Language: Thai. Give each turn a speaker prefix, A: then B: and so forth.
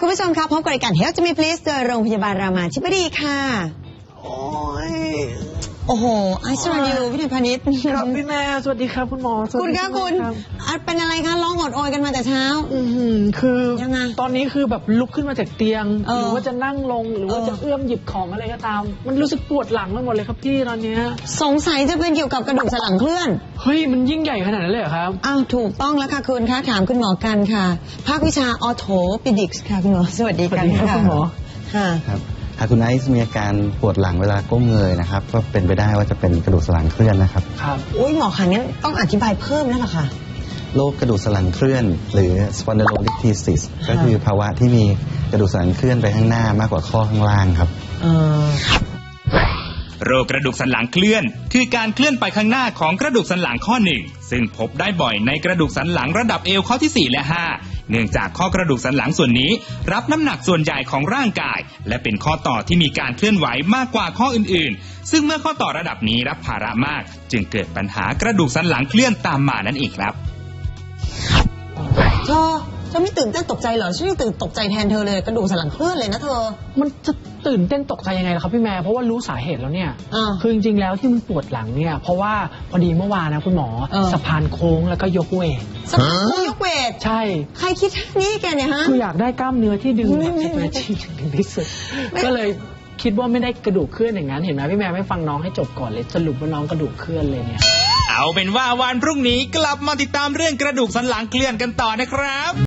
A: คุณผู้ชมครับพบกับรายการ Health to Me Please โดยโรงพยาบาลรามาธิบดีค่ะโอ้โหไอซ์ราดิววิทยาพาณิชย์
B: ครับพี่แม่สวัสดีครับคุณหมอ
A: คุณคะคุณเป็นอะไรคะร้องอดโอยกันมาแต่เช้า
B: คือ
A: ยังไง
B: ตอนนี้คือแบบลุกขึ้นมาจากเตียงหรือว่าจะนั่งลงหรือว่าจะเอื้อมหยิบของอะไรก็ตามมันรู้สึกปวดหลังไปหมดเลยครับพี่ตอนนี้
A: สงสัยจะเป็นเกี่ยวกับกระดูกสันหลังเคลื่อน
B: เฮ้ยมันยิ่งใหญ่ขนาดนั้นเลยเหรอครับ
A: อ้าวถูกต้องแล้วค่ะคุณคะถามคุณหมอกันค่ะภาควิชาออโธปิดิกส์ค่ะคุณหมอสวัสดีค่ะ
B: คุณหมอ
A: ค่ะ
C: ครับหากคุณไอซ์มีอาการปวดหลังเวลาก้มเงยนะครับก็เป็นไปได้ว่าจะเป็นกระดูกสันหลังเคลื่อนนะครับ
B: ครับ
A: อุ้ยหมอคะงั้นต้องอธิบายเพิ่มแล้วล่ะค่ะ
C: โรคกระดูกสันหลังเคลื่อนหรือ spondylolisthesis ก็คือภาวะที่มีกระดูกสันหลังเคลื่อนไปข้างหน้ามากกว่าข้อข้างล่างครับ
D: โรคกระดูกสันหลังเคลื่อนคือการเคลื่อนไปข้างหน้าของกระดูกสันหลังข้อ1ซึ่งพบได้บ่อยในกระดูกสันหลังระดับเอวข้อที่4และ5เนื่องจากข้อกระดูกสันหลังส่วนนี้รับน้ำหนักส่วนใหญ่ของร่างกายและเป็นข้อต่อที่มีการเคลื่อนไหวมากกว่าข้ออื่นๆซึ่งเมื่อข้อต่อระดับนี้รับภาระมากจึงเกิดปัญหากระดูกสันหลังเคลื่อนตามมานั่นเองครับ
A: เธอไม่ตื่นเต้นตกใจเหรอฉันยังตื่นตกใจแทนเธอเลยกระดูกสันหลังเคลื่อนเลยนะเธอ
B: มันจะตื่นเต้นตกใจยังไงล่ะครับพี่แม่เพราะว่ารู้สาเหตุแล้วเนี่ยคือจริงๆแล้วที่มันปวดหลังเนี่ยเพราะว่าพอดีเมื่อวานนะคุณหมอสะพานโค้งแล้วก็ยกเวท
A: สะพานโค้งยกเวท
B: ใช่
A: ใครคิดนี่แกเนี่ยฮะ
B: คืออยากได้กล้ามเนื้อที่ดึงแบบสเตรชชิ่งถึงที่สุดก็เลยคิดว่าไม่ได้กระดูกเคลื่อนอย่างนั้นเห็นไหมพี่แม่ไม่ฟังน้องให้จบก่อนเลยสรุปว่าน้องกระดูกเคลื่อนเลยเนี่ย
D: เอาเป็นว่าวันพรุ่งนี้กลับมาติดตามเรื่องกระดูกสันหลังเคลื่อนกันต่อนะครับ